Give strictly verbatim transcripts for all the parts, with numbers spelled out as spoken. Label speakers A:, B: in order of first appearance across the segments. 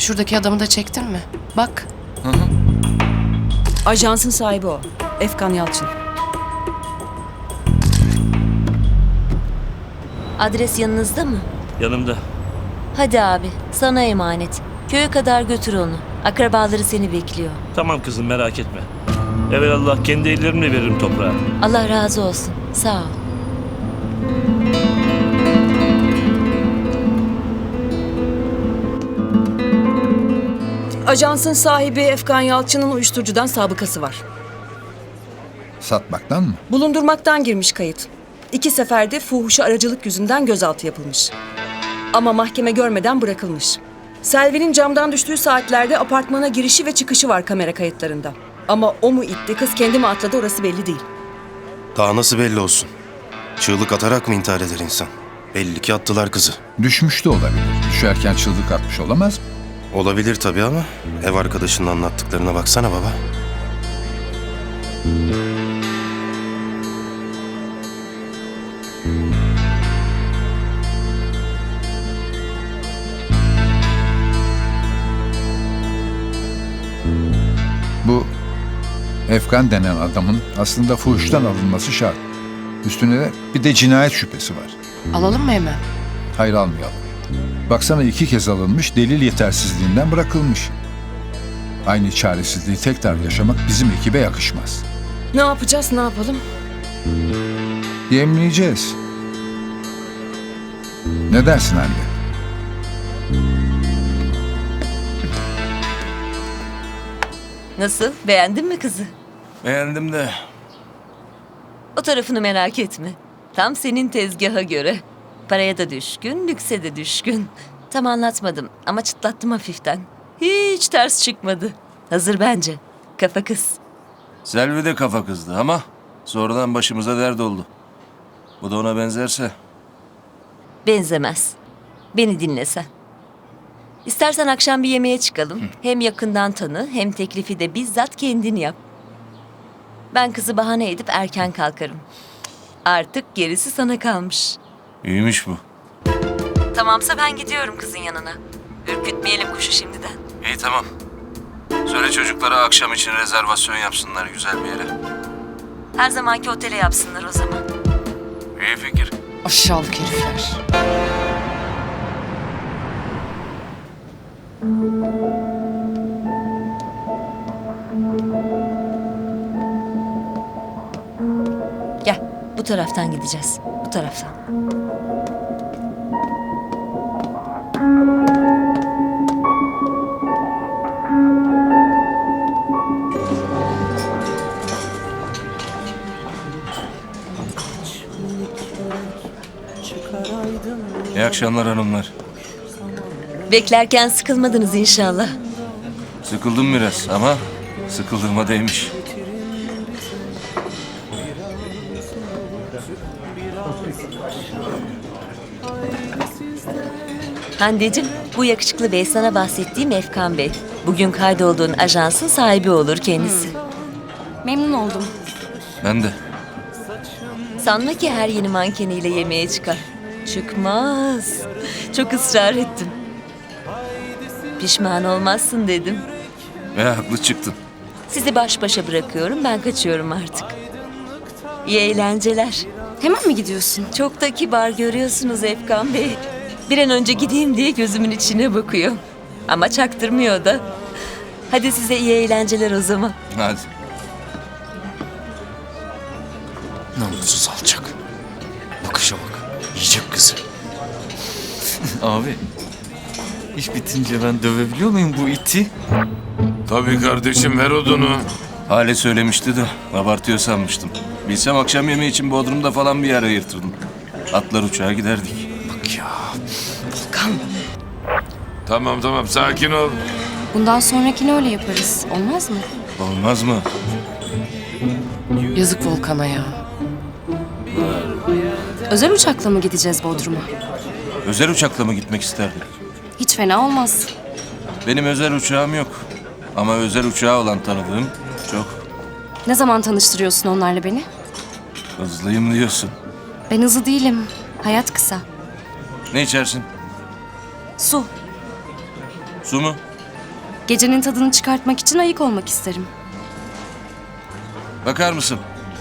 A: Şuradaki adamı da çektin mi? Bak.
B: Hı hı.
C: Ajansın sahibi o. Efkan Yalçın.
D: Adres yanınızda mı?
E: Yanımda.
D: Hadi abi, sana emanet. Köye kadar götür onu. Akrabaları seni bekliyor.
E: Tamam kızım, merak etme. Evelallah kendi ellerimle veririm toprağa.
D: Allah razı olsun. Sağ ol.
C: Ajansın sahibi Efkan Yalçın'ın uyuşturucudan sabıkası var.
F: Satmaktan mı?
C: Bulundurmaktan girmiş kayıt. İki seferde fuhuşa aracılık yüzünden gözaltı yapılmış. Ama mahkeme görmeden bırakılmış. Selvi'nin camdan düştüğü saatlerde apartmana girişi ve çıkışı var kamera kayıtlarında. Ama o mu itti, kız kendi mi atladı orası belli değil.
G: Daha nasıl belli olsun? Çığlık atarak mı intihar eder insan? Belli ki attılar kızı.
F: Düşmüş de olabilir. Düşerken çığlık atmış olamaz mı?
G: Olabilir tabii ama ev arkadaşının anlattıklarına baksana baba.
F: Bu Efkan denen adamın aslında fuhuştan alınması şart. Üstüne de bir de cinayet şüphesi var.
A: Alalım mı hemen?
F: Hayır, almayalım. Baksana, iki kez alınmış, delil yetersizliğinden bırakılmış. Aynı çaresizliği tekrar yaşamak bizim ekibe yakışmaz.
C: Ne yapacağız, ne yapalım?
F: Yemleyeceğiz. Ne dersin anne?
D: Nasıl? Beğendin mi kızı?
B: Beğendim de.
D: O tarafını merak etme. Tam senin tezgaha göre. Paraya da düşkün, lükse de düşkün. Tam anlatmadım ama çıtlattım hafiften. Hiç ters çıkmadı. Hazır bence. Kafa kız.
B: Selvi de kafa kızdı ama sonradan başımıza dert oldu. Bu da ona benzerse.
D: Benzemez. Beni dinle sen. İstersen akşam bir yemeğe çıkalım. Hem yakından tanı hem teklifi de bizzat kendin yap. Ben kızı bahane edip erken kalkarım. Artık gerisi sana kalmış.
B: İyiymiş bu.
D: Tamamsa ben gidiyorum kızın yanına. Ürkütmeyelim kuşu şimdiden.
B: İyi, tamam. Söyle çocuklara akşam için rezervasyon yapsınlar güzel bir yere.
D: Her zamanki otele yapsınlar o zaman.
B: İyi fikir.
A: Aşağılık herifler.
D: Gel, bu taraftan gideceğiz. Bu taraftan.
B: İyi akşamlar hanımlar.
D: Beklerken sıkılmadınız inşallah.
B: Sıkıldım biraz ama sıkıldığıma değmiş.
D: Hande'cim, bu yakışıklı bey sana bahsettiğim Efkan Bey. Bugün kaydolduğun ajansın sahibi olur kendisi.
H: Memnun oldum.
B: Ben de.
D: Sanma ki her yeni mankeniyle yemeğe çıkar. Çıkmaz. Çok ısrar ettim. Pişman olmazsın dedim.
B: Ve haklı çıktın.
D: Sizi baş başa bırakıyorum, ben kaçıyorum artık. İyi eğlenceler.
H: Hemen mi gidiyorsun?
D: Çok da kibar görüyorsunuz Efkan Bey. Bir an önce gideyim diye gözümün içine bakıyor. Ama çaktırmıyor da. Hadi size iyi eğlenceler o zaman.
B: Hadi.
I: Namussuz alçak. Bakışa bak. Yiyecek kızı. Abi. İş bitince ben dövebiliyor muyum bu iti?
J: Tabii kardeşim, ver odunu.
B: Hale söylemişti de abartıyor sanmıştım. Bilsem akşam yemeği için Bodrum'da falan bir yer ayırtırdım. Atlar uçağa giderdik.
I: Bak ya.
C: Volkan.
J: Tamam tamam, sakin ol.
H: Bundan sonrakini öyle yaparız. Olmaz mı?
B: Olmaz mı?
A: Yazık Volkan'a ya.
H: Özel uçakla mı gideceğiz Bodrum'a?
B: Özel uçakla mı gitmek isterdin?
H: Hiç fena olmaz.
B: Benim özel uçağım yok. Ama özel uçağı olan tanıdığım çok.
H: Ne zaman tanıştırıyorsun onlarla beni?
B: Hızlıyım diyorsun.
H: Ben hızlı değilim. Hayat kısa.
B: Ne içersin?
H: Su.
B: Su mu?
H: Gecenin tadını çıkartmak için ayık olmak isterim.
B: Bakar mısın?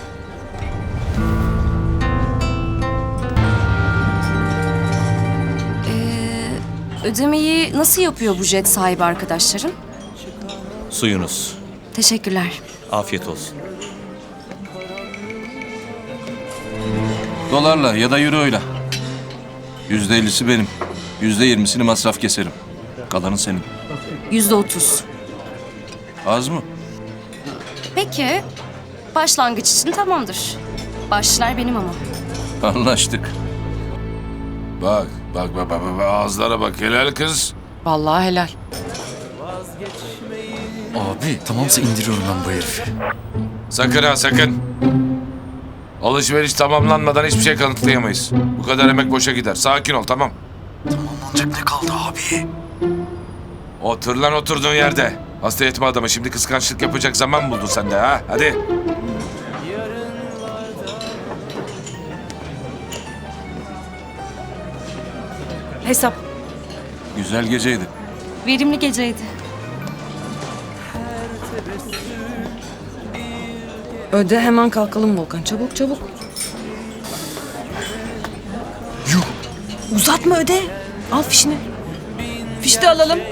H: Ödemeyi nasıl yapıyor bu jet sahibi arkadaşların?
I: Suyunuz.
H: Teşekkürler.
I: Afiyet olsun.
B: Dolarla ya da euroyla. Yüzde ellisi benim. Yüzde yirmisini masraf keserim. Kalanı senin.
H: Yüzde otuz.
B: Az mı?
H: Peki. Başlangıç için tamamdır. Başlar benim ama.
B: Anlaştık.
J: Bak, bak, bak, bak, bak, ağızlara bak. Helal kız.
A: Vallahi helal.
I: Abi tamamsa indiriyorum ben bu herifi.
J: Sakın ha, sakın. Alışveriş tamamlanmadan hiçbir şey kanıtlayamayız. Bu kadar emek boşa gider. Sakin ol, tamam.
I: Ancak ne kaldı abi?
J: Otur lan oturduğun yerde. Hasta etme adamı. Şimdi kıskançlık yapacak zaman buldun sen de ha. Hadi.
C: Hesap.
B: Güzel geceydi.
H: Verimli geceydi.
C: Öde, hemen kalkalım Volkan. Çabuk çabuk.
I: Yuh!
C: Uzatma, öde. Al fişini. Fiş de alalım.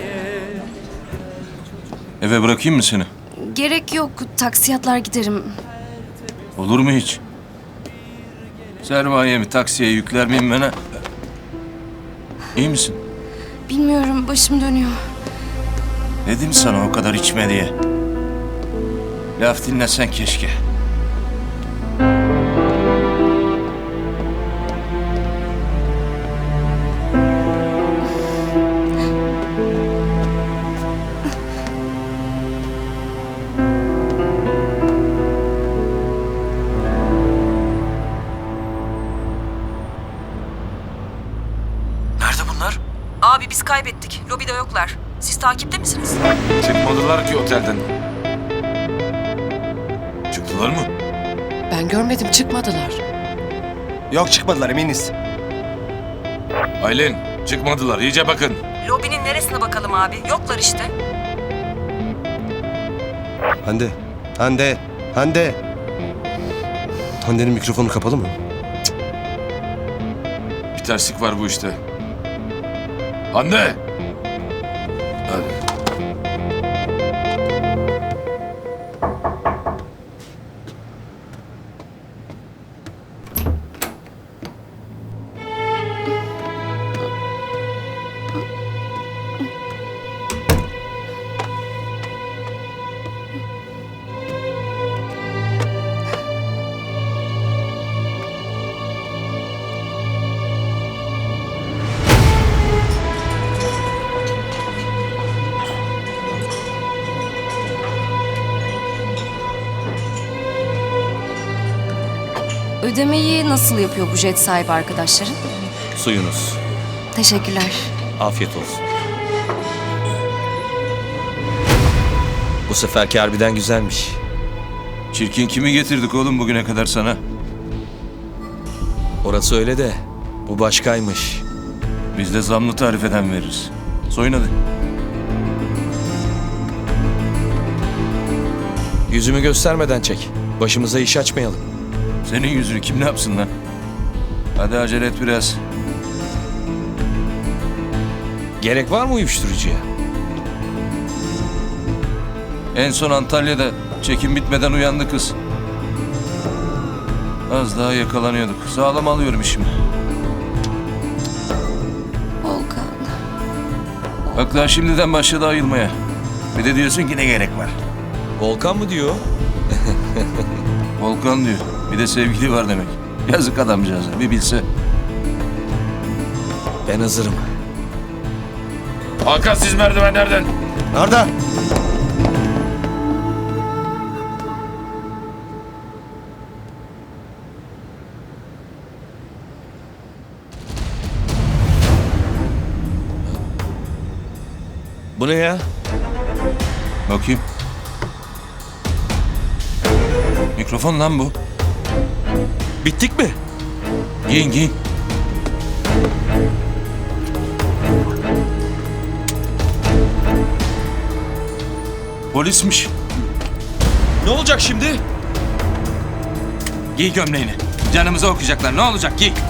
B: Eve bırakayım mı seni?
H: Gerek yok. Taksiyatlar giderim.
B: Olur mu hiç? Sermayemi taksiye yükler miyim ben ha? İyi misin?
H: Bilmiyorum, başım dönüyor.
B: Dedim sana o kadar içme diye. Laf dinlesen keşke.
I: Nerede bunlar?
C: Abi biz kaybettik. Lobide yoklar. Siz takipte misiniz?
J: Çıkmadılar ki otelden. Çıktılar mı?
A: Ben görmedim, çıkmadılar.
G: Yok çıkmadılar eminiz.
J: Aylin, çıkmadılar. İyice bakın.
C: Lobinin neresine bakalım abi? Yoklar işte.
G: Hande, Hande, Hande. Hande'nin mikrofonu kapalı mı?
J: Bir terslik var bu işte. Hande! Hadi.
H: Ödemeyi nasıl yapıyor bu jet sahibi arkadaşların?
I: Suyunuz.
H: Teşekkürler.
I: Afiyet olsun. Bu seferki harbiden güzelmiş.
B: Çirkin kimi getirdik oğlum bugüne kadar sana?
I: Orası öyle de bu başkaymış.
B: Biz de zamlı tarifeden veririz. Soyun hadi.
I: Yüzümü göstermeden çek. Başımıza iş açmayalım.
B: Senin yüzünü kim ne yapsın lan? Hadi acele et biraz.
I: Gerek var mı uyuşturucuya?
B: En son Antalya'da çekim bitmeden uyandı kız. Az daha yakalanıyorduk. Sağlam alıyorum işimi.
H: Volkan.
B: Bak daha şimdiden başladı ayılmaya. Bir de diyorsun ki ne gerek var?
I: Volkan mı diyor?
B: Volkan diyor. Bir de sevgili var demek. Yazık adamcağıza bir bilse.
I: Ben hazırım.
J: Hakan siz merdivenlerden.
G: Arda!
I: Bu ne ya?
B: Bakayım. Mikrofon lan bu.
I: Bittik mi?
B: Giyin giyin. Polismiş.
I: Ne olacak şimdi?
B: Giy gömleğini. Canımıza okuyacaklar. Ne olacak? Giy.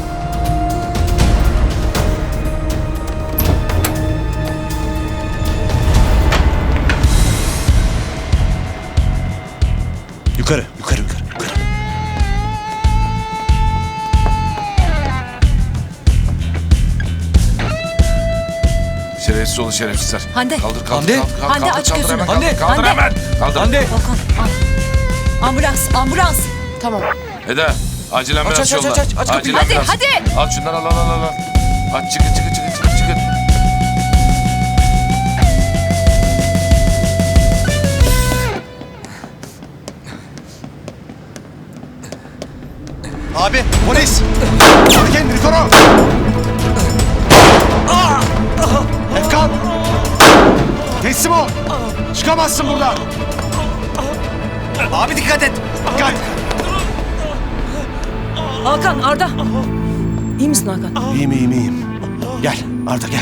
I: Yukarı, yukarı, yukarı, yukarı.
J: Şerefsiz olun şerefsizler.
D: Hande.
J: Kaldır kaldır
I: Hande.
J: kaldır. kaldır,
D: Hande,
J: kaldır,
D: aç
J: kaldır
D: gözünü.
J: hemen,
I: Hande.
J: Kaldır, kaldır
D: Hande.
J: hemen. Kaldır.
I: Hande.
D: Volkan al. Ambulans, ambulans.
A: Tamam.
J: Eda acil ambulans
I: aç, aç,
J: yolla.
I: aç, aç, aç
J: Acil
I: kapıyı.
D: Hadi,
J: ambulans.
D: hadi.
J: Al şunları al al al. al. Aç çıkın çıkın çıkın çıkın çıkın.
I: Abi, polis! Koru kendini, koru! Efkan! Teslim ol! Çıkamazsın buradan! Abi dikkat et! Dikkat!
C: Hakan, Arda. İyi misin Hakan?
I: İyiyim, iyiyim, iyiyim. Gel, Arda gel.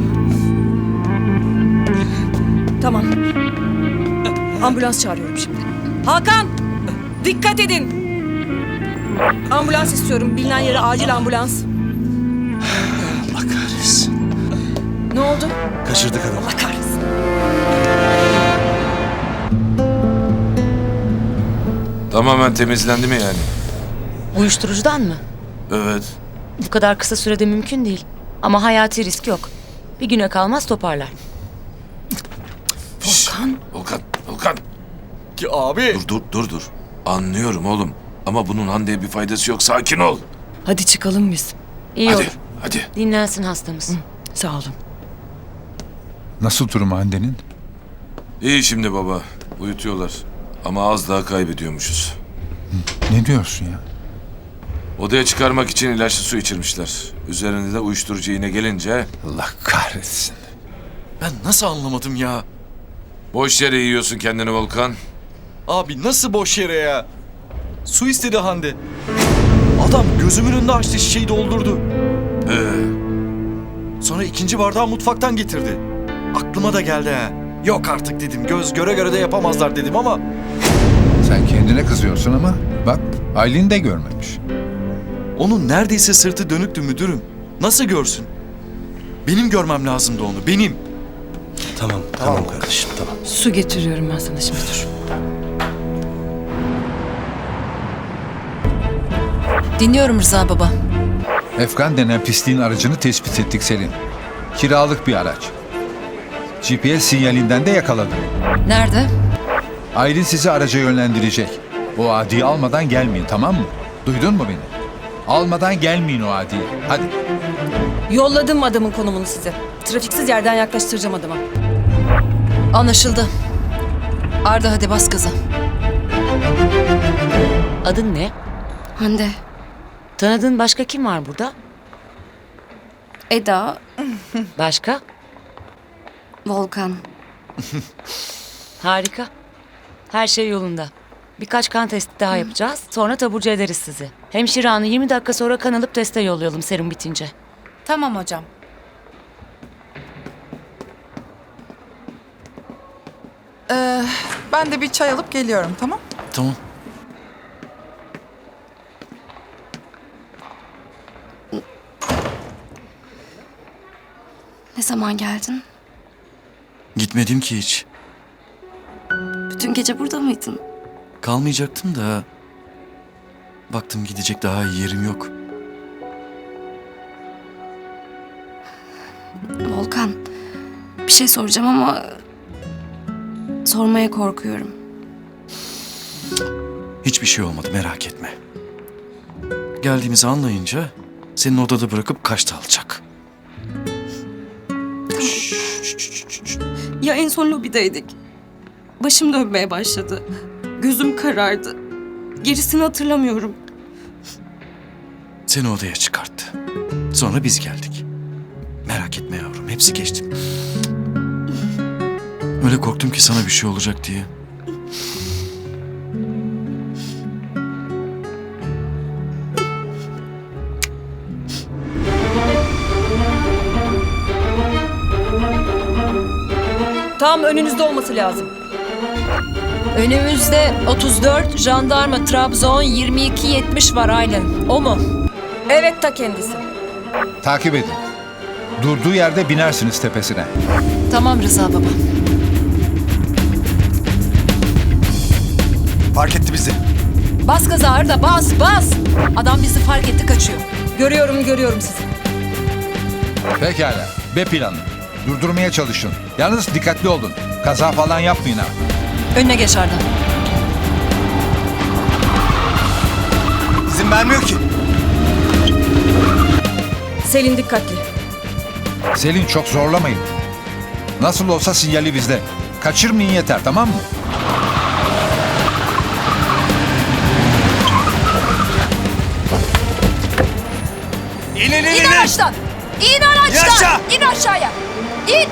C: Tamam. Ambulans çağırıyorum şimdi. Hakan! Dikkat edin! Ambulans istiyorum. Bilinen yere acil ambulans.
I: Allah kahretsin.
C: Ne oldu?
I: Kaçırdık adamı.
C: Allah kahretsin.
J: Tamamen temizlendi mi yani?
D: Uyuşturucudan mı?
J: Evet.
D: Bu kadar kısa sürede mümkün değil. Ama hayati risk yok. Bir güne kalmaz toparlar.
C: Volkan.
J: Volkan, Volkan.
I: Ki abi.
J: Dur dur dur dur. Anlıyorum oğlum. Ama bunun Hande'ye bir faydası yok. Sakin ol.
C: Hadi çıkalım biz.
D: İyi
J: Hadi,
D: olur.
J: hadi.
D: Dinlensin hastamız.
C: Sağ olun.
F: Nasıl durumu Hande'nin?
J: İyi şimdi baba. Uyutuyorlar. Ama az daha kaybediyormuşuz.
F: Ne diyorsun ya?
J: Odaya çıkarmak için ilaçlı su içirmişler. Üzerinde de uyuşturucu iğne gelince
F: Allah kahretsin.
I: Ben nasıl anlamadım ya?
J: boş yere yiyorsun kendini Volkan.
I: Abi nasıl boş yere ya? Su istedi Hande. Adam gözümün önünde açtı, şişeyi doldurdu.
J: Ee,
I: Sonra ikinci bardağı mutfaktan getirdi. Aklıma da geldi ha. Yok artık dedim, göz göre göre de yapamazlar dedim ama...
F: Sen kendine kızıyorsun ama bak Aylin de görmemiş.
I: Onun neredeyse sırtı dönüktü müdürüm. Nasıl görsün? Benim görmem lazımdı onu, benim.
G: Tamam, tamam kardeşim, tamam.
C: Su getiriyorum ben sana şimdi dur.
H: Dinliyorum Rıza baba.
F: Efkan denen pisliğin aracını tespit ettik Selin. Kiralık bir araç. G P S sinyalinden de yakaladım.
H: Nerede?
F: Aylin sizi araca yönlendirecek. O adiyi almadan gelmeyin, tamam mı? Duydun mu beni? Almadan gelmeyin o adiyi. Hadi.
C: Yolladım adamın konumunu size. Trafiksiz yerden yaklaştıracağım adama.
H: Anlaşıldı. Arda hadi bas gaza.
D: Adın ne?
H: Hande,
D: Tanıdığın başka kim var burada?
H: Eda,
D: Başka?
H: Volkan.
D: Harika. Her şey yolunda. Birkaç kan testi daha yapacağız. Sonra taburcu ederiz sizi. Hemşire hanı yirmi dakika sonra kan alıp teste yollayalım serum bitince.
H: Tamam hocam.
K: Ee, ben de bir çay alıp geliyorum, tamam?
I: Tamam.
H: Ne zaman geldin?
I: Gitmedim ki hiç.
H: Bütün gece burada mıydın?
I: Kalmayacaktım da... Baktım gidecek daha iyi yerim yok.
H: Volkan, bir şey soracağım ama... Sormaya korkuyorum.
I: Hiçbir şey olmadı, merak etme. Geldiğimizi anlayınca senin odada bırakıp kaçta alacak.
H: Ya en son lobideydik. Başım dönmeye başladı. Gözüm karardı. Gerisini hatırlamıyorum.
I: Seni odaya çıkarttı. Sonra biz geldik. Merak etme yavrum, hepsi geçti. Öyle korktum ki sana bir şey olacak diye.
C: Tam önünüzde olması lazım.
L: Önümüzde otuz dört, jandarma Trabzon yirmi iki yetmiş var Aylin. O mu?
C: Evet, ta kendisi.
F: Takip edin. Durduğu yerde binersiniz tepesine.
L: Tamam Rıza baba.
I: Fark etti bizi.
L: Bas gaza Arda, bas bas. Adam bizi fark etti, kaçıyor.
C: Görüyorum, görüyorum sizi.
F: Pekala. B planı. Durdurmaya çalışın. Yalnız dikkatli olun. Kaza falan yapmayın ha.
L: Önüne geç Arda.
I: İzin vermiyor ki.
C: Selin dikkatli.
F: Selin çok zorlamayın. Nasıl olsa sinyali bizde. Kaçırmayın yeter, tamam mı?
I: İn in in
L: İn
I: in.
L: araçtan! İn araçtan!
I: Yaşa!
L: İn aşağıya! İn!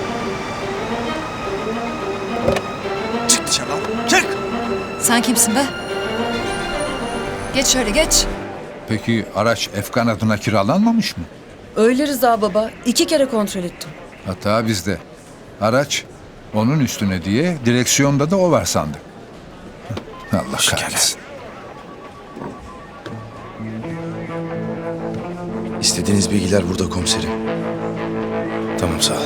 I: Çık dışarı lan. Çık.
L: Sen kimsin be? Geç şöyle geç.
F: Peki araç Efkan adına kiralanmamış mı?
C: Öyle Rıza baba. iki kere kontrol ettim.
F: Hata bizde. Araç onun üstüne diye direksiyonda da o var sandık. Allah kahretsin.
G: İstediğiniz bilgiler burada komiserim. Tamam sağ ol.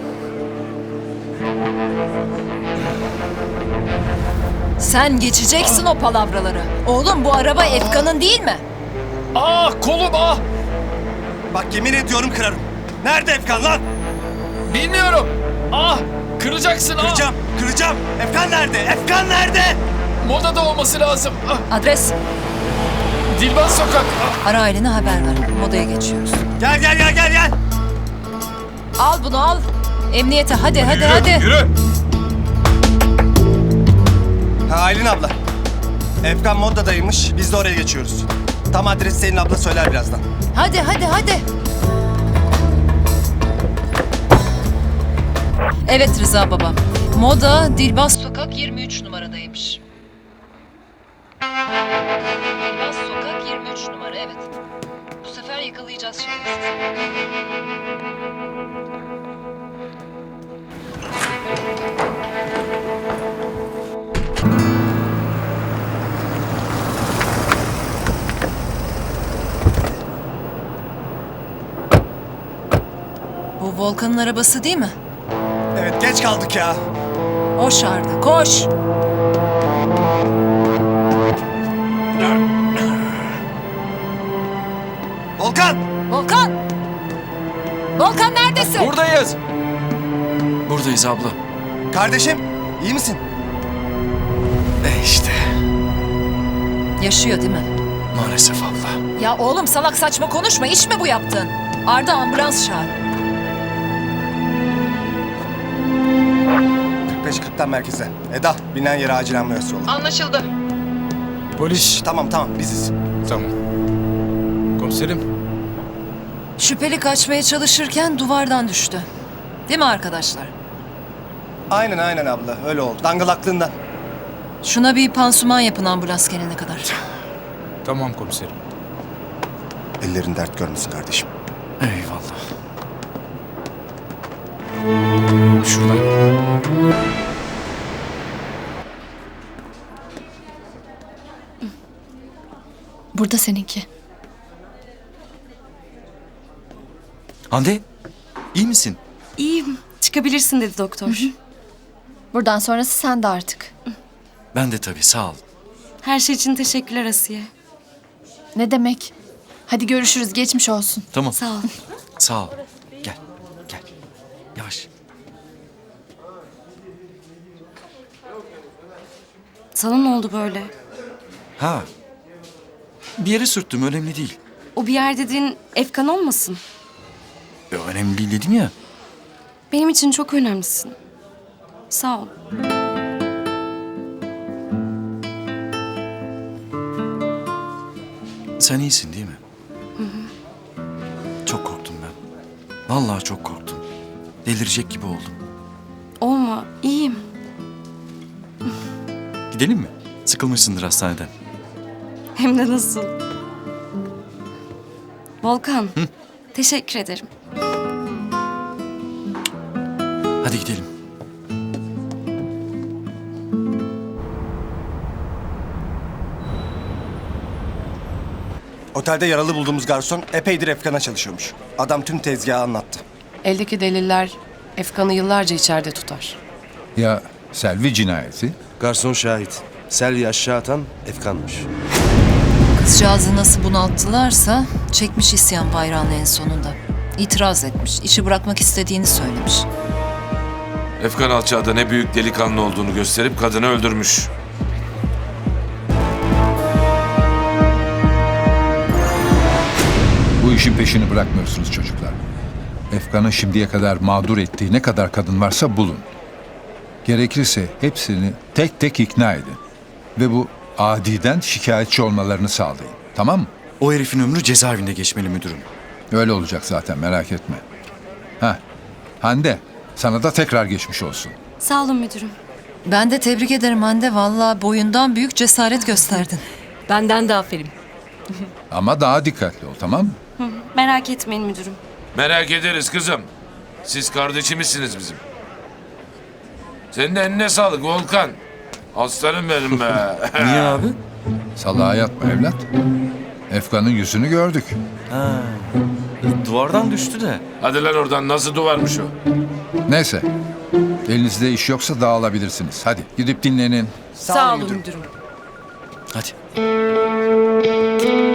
L: Sen geçeceksin o palavraları. Oğlum bu araba Efkan'ın değil mi?
E: Ah kolum ah.
I: Bak yemin ediyorum kırarım. Nerede Efkan lan?
E: Bilmiyorum. Ah kıracaksın ah.
I: Kıracağım, kıracağım. Efkan nerede? Efkan nerede?
E: Modada olması lazım. Ah,
L: Adres.
E: Dilbaz Sokak. Ah.
L: Ara ailene haber ver. Modaya geçiyoruz.
I: Gel gel gel gel gel.
L: Al bunu al. Emniyete hadi hadi hadi.
E: Yürü.
I: Ha Aylin abla. Efkan Modda'daymış. Biz de oraya geçiyoruz. Tam adresi Selin abla söyler birazdan.
L: Hadi hadi hadi. Evet Rıza baba. Moda Dilbaz Sokak yirmi üç numaradaymış. Dilbaz Sokak yirmi üç numara evet. Bu sefer yakalayacağız şimdi sizi. Bu Volkan'ın arabası değil mi?
I: Evet geç kaldık ya.
L: Koş Arda koş.
I: Volkan!
L: Volkan! Volkan neredesin?
E: Buradayız. Buradayız abla.
I: Kardeşim iyi misin? E işte.
L: Yaşıyor değil mi?
E: Maalesef abla.
L: Ya oğlum salak saçma konuşma. İş mi bu yaptın? Arda ambulans çağır.
I: kırk beş kırktan merkeze. Eda binen yere acil ambulans yolla.
L: Anlaşıldı.
I: Polis. Tamam tamam biziz.
J: Tamam. Komiserim.
L: Şüpheli kaçmaya çalışırken duvardan düştü. Değil mi arkadaşlar?
I: Aynen aynen abla öyle oldu. Dangılaklığından.
L: Şuna bir pansuman yapın ambulans gelene kadar.
J: Tamam komiserim.
I: Ellerin dert görmesin kardeşim.
E: Eyvallah. Şuradan.
H: Burada seninki.
E: Hande, iyi misin?
H: İyiyim. Çıkabilirsin dedi doktor.
M: Buradan sonrası sende artık.
E: Ben de tabii, sağ ol.
H: Her şey için teşekkürler Asiye.
M: Ne demek? Hadi görüşürüz. Geçmiş olsun.
E: Tamam.
H: Sağ ol.
E: Sağ ol. Gel, gel. Yavaş.
H: Sana ne oldu böyle?
E: Ha. Bir yere sürttüm, önemli değil.
H: O bir yer dediğin Efkan olmasın?
E: Ya, önemli değil dedim ya.
H: Benim için çok önemlisin. Sağ ol.
E: Sen iyisin değil mi?
H: Hı hı.
E: Çok korktum ben. Vallahi çok korktum. Delirecek gibi oldum.
H: Olma, iyiyim.
E: Gidelim mi? Sıkılmışsındır hastaneden.
H: Hem de nasıl? Volkan, teşekkür ederim.
E: Hadi gidelim.
N: Otelde yaralı bulduğumuz garson epeydir Efkan'a çalışıyormuş. Adam tüm tezgahı anlattı.
A: Eldeki deliller Efkan'ı yıllarca içeride tutar.
F: Ya Selvi cinayeti?
G: Garson şahit. Selvi aşağı atan Efkan'mış.
L: Kızcağızı nasıl bunalttılarsa çekmiş isyan bayrağını en sonunda. İtiraz etmiş, işi bırakmak istediğini söylemiş.
J: Efkan alçağda ne büyük delikanlı olduğunu gösterip kadını öldürmüş.
F: Bu işin peşini bırakmıyorsunuz çocuklar. Efkan'ın şimdiye kadar mağdur ettiği ne kadar kadın varsa bulun. Gerekirse hepsini tek tek ikna edin. Ve bu adiden şikayetçi olmalarını sağlayın. Tamam mı?
E: O herifin ömrü cezaevinde geçmeli müdürüm.
F: Öyle olacak zaten, merak etme. Ha, Hande, sana da tekrar geçmiş olsun.
H: Sağ olun müdürüm.
L: Ben de tebrik ederim Hande. Vallahi boyundan büyük cesaret gösterdin.
C: Benden de aferin.
F: Ama daha dikkatli ol, tamam mı?
H: Merak etmeyin müdürüm.
J: Merak ederiz kızım. Siz kardeşimizsiniz bizim. Senin de eline sağlık Volkan. Aslanım benim be.
I: Niye abi?
F: Salağa yatma evlat. Efkan'ın yüzünü gördük.
I: Ha. e, Duvardan düştü de.
J: Hadi lan oradan, nasıl duvarmış o?
F: Neyse, elinizde iş yoksa dağılabilirsiniz. Hadi gidip dinlenin.
C: Sağ, olun müdürüm.
E: Hadi.